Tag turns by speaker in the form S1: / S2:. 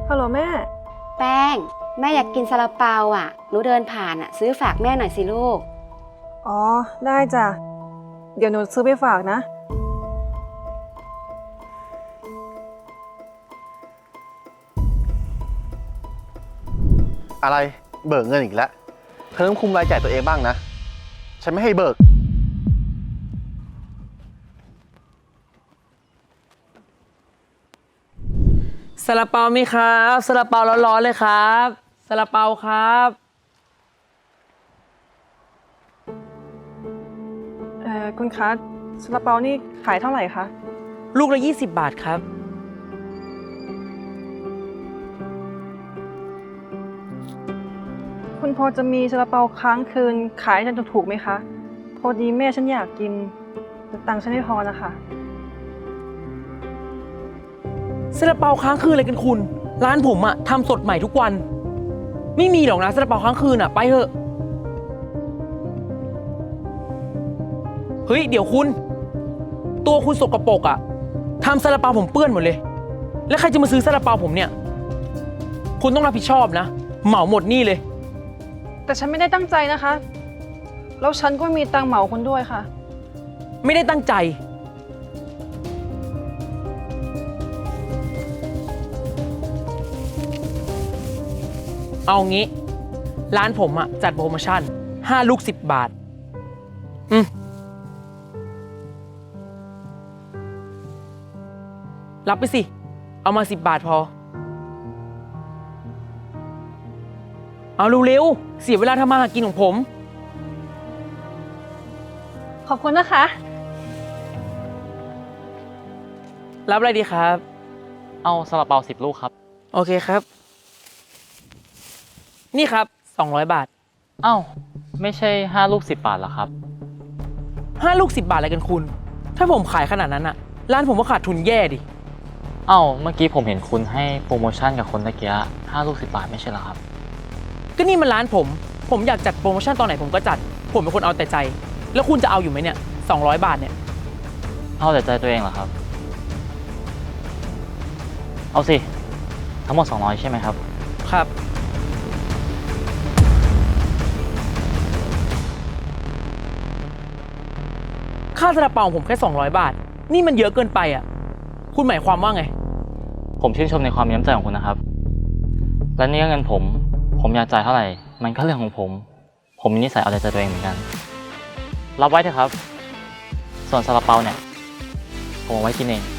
S1: ฮัลโหลแม่
S2: แป้งแม่อยากกินซาลาเปาอ่ะหนูเดินผ่านอ่ะซื้อฝากแม่หน่อยสิลูก
S1: อ๋อ ได้จ้ะ เดี๋ยวหนูซื้อไปฝากนะ
S3: อะไรเบิกเงินอีกแล้วเธอต้องคุมรายจ่ายตัวเองบ้างนะ ฉันไม่ให้เบิก
S4: ซาลาเปามีครับซาลาเปาร้อนๆเลยครับซาลาเปาครับ
S1: คุณคะซาลาเปานี่ขายเท่าไหร่คะ
S4: ลูกละ20 บาทครับ
S1: คุณพอจะมีซาลาเปาค้างคืนขายให้ฉันถูกๆไหมคะ พอดีแม่ฉันอยากกินแต่ตังค์ฉันไม่พอนะคะ
S4: ซาลาเปาค้างคืนอะไรกันคุณ ร้านผมอะทำสดใหม่ทุกวัน ไม่มีหรอกนะซาลาเปาค้างคืนอะไปเถอะเฮ้ยเดี๋ยวคุณ ตัวคุณสกปรกอะทำซาลาเปาผมเปื้อนหมดเลย แล้วใครจะมาซื้อซาลาเปาผมเนี่ย คุณต้องรับผิดชอบนะเหมาหมดนี่เลย
S1: แต่ฉันไม่ได้ตั้งใจนะคะ แล้วฉันก็มีตังค์เหมาคุณด้วยค่ะ
S4: ไม่ได้ตั้งใจเอางี้ร้านผมอะจัดโปรโมชั่น5 ลูก 10 บาทรับไปสิเอามา10 บาทพอเอาเร็วๆเสียเวลาทำมาหากินของผม
S1: ขอบคุณนะคะ
S4: รับอะไรดีครับ
S5: เอาซาลาเปา10 ลูกครับ
S4: โอเคครับ นี่ครับ200 บาท
S5: เอ้าไม่ใช่5 ลูก 10 บาทเหรอครับ
S4: 5 ลูก 10 บาทอะไรกันคุณ ถ้าผมขายขนาดนั้นอะร้านผมก็ขาดทุนแย่ดิ
S5: เอ้าเมื่อกี้ผมเห็นคุณให้โปรโมชั่นกับคนตะเกีย5 ลูก 10 บาทไม่ใช่เหรอครับ
S4: ก็นี่มันร้านผมอยากจัดโปรโมชั่นตอนไหนผมก็จัด ผมเป็นคนเอาแต่ใจ แล้วคุณจะเอาอยู่ไหมเนี่ย200 บาทเนี่ย
S5: เอาแต่ใจตัวเองเหรอครับ เอาสิทั้งหมด200ใช่ไหมครับ
S4: ครับ ค่าซาลาเปาของผมแค่200 บาท นี่มันเยอะเกินไปอ่ะ คุณหมายความว่าไง
S5: ผมชื่นชมในความมีน้ำใจของคุณนะครับ และนี่ก็เงินผมอยากจ่ายเท่าไหร่มันก็เรื่องของผมมีนิสัยเอาแต่ใจตัวเองเหมือนกันรับไว้เถอะครับ ส่วนซาลาเปาเนี่ยผมเอาไว้กินเอง